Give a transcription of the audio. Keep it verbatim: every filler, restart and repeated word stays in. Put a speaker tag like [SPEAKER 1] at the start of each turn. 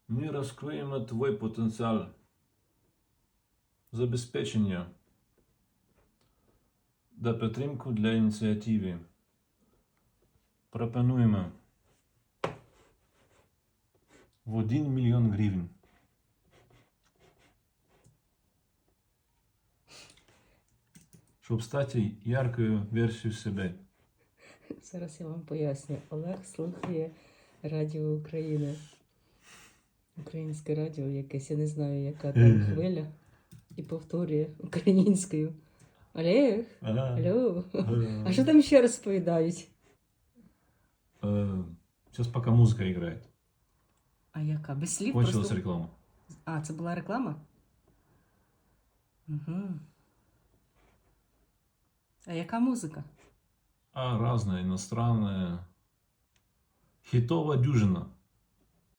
[SPEAKER 1] Ми розкриємо твій потенціал. Забезпечення та підтримку для ініціативи. Пропонуємо в один мільйон гривень. Щоб стати яркою версією себе.
[SPEAKER 2] Зараз я вам поясню. Олег слухає Радіо України. Українське радіо якесь, я не знаю, яка там хвиля. І повторює українською. Олег, алло. А що там ще розповідають?
[SPEAKER 1] Сейчас пока музыка играет.
[SPEAKER 2] А яка? Без слів?
[SPEAKER 1] Кончилась
[SPEAKER 2] Просто...
[SPEAKER 1] реклама.
[SPEAKER 2] А, це була реклама? Угу. А яка музика?
[SPEAKER 1] А разная, иностранная. Хитовая дюжина.